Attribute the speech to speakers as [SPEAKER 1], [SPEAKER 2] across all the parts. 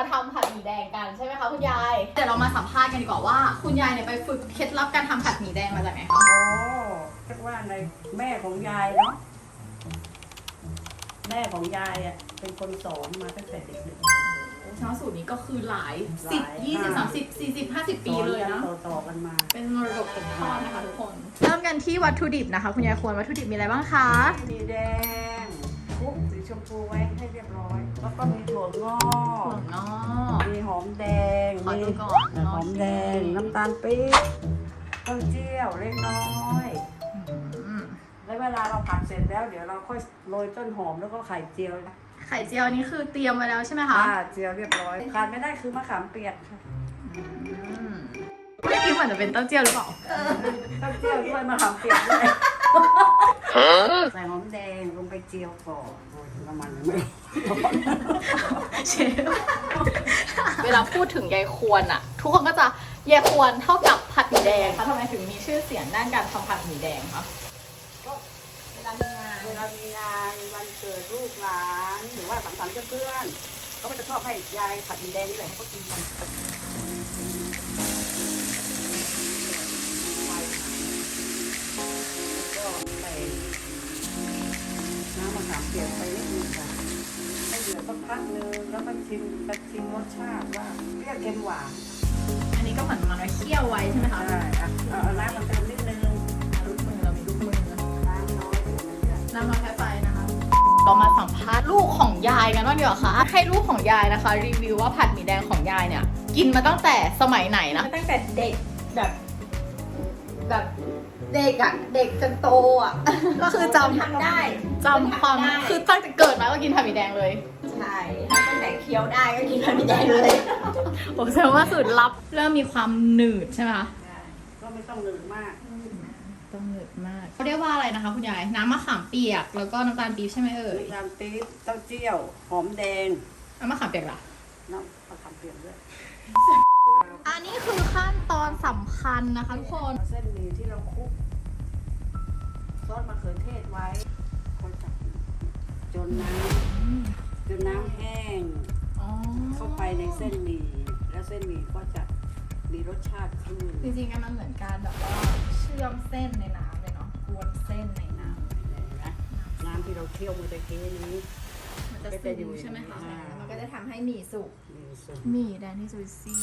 [SPEAKER 1] ทำผัดหมี่แดงกันใช่ไหมคะคุณยายเดี๋ยวเรามาสัมภาษณ์กันดีกว่าว่าคุณยายเนี่ยไปฝึกเคล็ดลับการทำผัดหมี่แดงมาจากไหนคะ
[SPEAKER 2] โอ้เรียกว่าในแม่ของยายเนาะแม่ของยายอ่ะเป็นคนสอนมาตั้งแต่เด็กๆ
[SPEAKER 1] ช้อนสูตรนี้ก็คือหลาย10 20 30 40 50 ปีเลยนะ
[SPEAKER 2] ต่อกันมา
[SPEAKER 1] เป็นมรดกตกทอดนะคะทุกคนเริ่มกันที่วัตถุดิบนะคะคุณยายควรวัตถุดิบมีอะไรบ้างคะ
[SPEAKER 2] มีแดงคลุกสีชมพูไว้ให้เรียบร้อย แล้วก็มีถั่วงอก
[SPEAKER 1] ถั่วงอก
[SPEAKER 2] มีหอมแดง
[SPEAKER 1] ขอดูก่อน
[SPEAKER 2] หอมแดงน้ำตาลปี๊บเต้าเจี้ยวเล็กน้อยแล้วเวลาเราผัดเสร็จแล้วเดี๋ยวเราค่อยโรยต้นหอมแล้วก็ไข่เจียว
[SPEAKER 1] ไข่เจียวนี่คือเตรียมไว้แล้วใช่ไหมคะ
[SPEAKER 2] เจียวเรียบร้อยขาดไม่ได้คือมะขามเปียกค่ะ
[SPEAKER 1] ไม่คิดเหมือนจะเป็นเต้าเจี้ยวหรือเปล่า
[SPEAKER 2] เต้าเจี้ยวด้วยมะขามเปียกด้วยใส่หอมแดงลงไปเจียวก่อนโอ้ยน้ำมันไม่
[SPEAKER 1] เชฟเวลาพูดถึงยายควรอะทุกคนก็จะยายควรเท่ากับผัดหมี่แดงคะทำไมถึงมีชื่อเสียงด้านการทำผัดหมี่แดงคะ
[SPEAKER 2] เวลามีงานวันเกิดลูกหลานหรือว่าสังสรรค์กับเพื่อนเขาก็จะชอบให้ยายผัดหมี่แดงนี่แหละให้เขากินกันก็ใส่น้ำมะขามเปียกไปนิดนึงค่ะให้เดือดสักพักนึงแล้วก็ชิมรสชาติว่าเปรี้ยวเค็มหวาน
[SPEAKER 1] อันนี้ก็เหมือนมันไว้เคี่ยวไว้ใช่ไหมคะ
[SPEAKER 2] ใช่เอาน้ำมันเติมนิดนึง
[SPEAKER 1] ลูกมือเรามีลูกมือ
[SPEAKER 2] น้ำน้อยถึงมันจะ
[SPEAKER 1] น้ำมันแค่ไฟนะคะเรามาสัมภาษณ์ลูกของยายกันว่างดีกว่าค่ะให้ลูกของยายนะคะรีวิวว่าผัดหมี่แดงของยายเนี่ยกินมาตั้งแต่สมัยไหนนะ
[SPEAKER 3] ตั้งแต่เด็กแบบเด็กอะเด็กจนโตอะ
[SPEAKER 1] ก็คือจำ
[SPEAKER 3] ทำได้
[SPEAKER 1] จำความคือตั้งแต่เกิดมาก็กินผัดหมี่แดงเลย
[SPEAKER 3] ใช่ตั้งแต่เคี้ยวได้ก็กินผัดหมี่แดงเลย
[SPEAKER 1] โอ้แสดงว่าสูตรลับเริ่มมีความหนืดใช่ไหมคะ
[SPEAKER 2] ก็ไม่ต้องหนืดมาก
[SPEAKER 1] ต้องหนืดมากเขาเรียกว่าอะไรนะคะคุณยายน้ำมะขามเปียกแล้วก็น้ำตาลปี๊บใช่ไหมเอ่ย
[SPEAKER 2] น้ำปี๊บเต้าเจี้ยวหอมแดง
[SPEAKER 1] น้ำมะขามเปียกล่ะ
[SPEAKER 2] น้ำมะขามเปียกด้วย
[SPEAKER 1] อันนี้คือขั้นตอนสำคัญนะคะทุกคน
[SPEAKER 2] เส้นหมี่ที่เราคลุกซอสมะเขือเทศไว้คนจับจนน้ำแห้ง
[SPEAKER 1] อ๋อ
[SPEAKER 2] เข้าไปในเส้นหมี่แล้วเส้นหมี่ก็จะมีรสชาติขึ้น
[SPEAKER 1] จริงๆมันเหมือนการแบบว่าเชื่อมเส้นในน้ำเลยเนาะกวนเส้นในน้ำ
[SPEAKER 2] น้ำที่เราเคี่ยวเมื่อตะกี้นี้
[SPEAKER 1] มันจะซึมใช่ไหมคะ
[SPEAKER 3] มันก็จะทำให้หมี่สุก
[SPEAKER 2] มีส่วน
[SPEAKER 1] หมี่แดงที่จุยซี่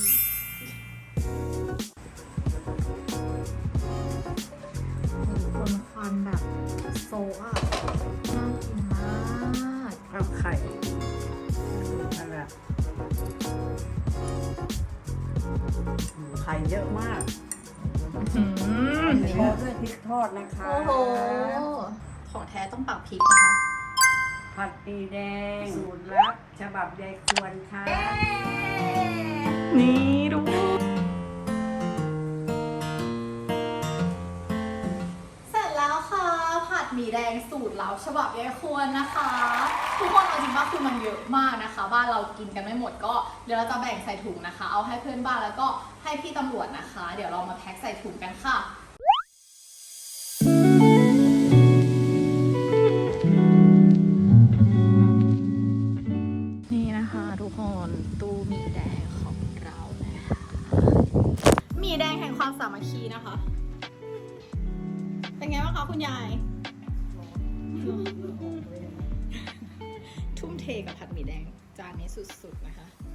[SPEAKER 1] คนควันแบบโซอ่ะน่ากินมาก
[SPEAKER 2] ข้าวไข่นั่นแหละไข่เยอะมากโรยด้วยพริกทอดนะคะ
[SPEAKER 1] โอ้โหของแท้ต้องปักพริกนะคะ
[SPEAKER 2] ผัดหมี่แดงสูตรลับฉบับยายควรค่ะ
[SPEAKER 1] นี่ดูเสร็จแล้วค่ะผัดหมี่แดงสูตรลับฉบับยายควรนะคะ ทุกคนเอาจริงว่าคือมันเยอะมากนะคะบ้านเรากินกันไม่หมดก็เดี๋ยวเราจะแบ่งใส่ถุงนะคะ เอาให้เพื่อนบ้านแล้วก็ให้พี่ตำรวจนะคะ เดี๋ยวเรามาแพ็คใส่ถุงกันค่ะนี่นะคะทุกคนตู้หมี่แดงของเรานะคะหมี่แดงแห่งความสามัคคีนะคะ เป็นไงบ้างคะคุณยาย ทุ่มเทกับผัดหมี่แดงจานนี้สุดๆนะคะ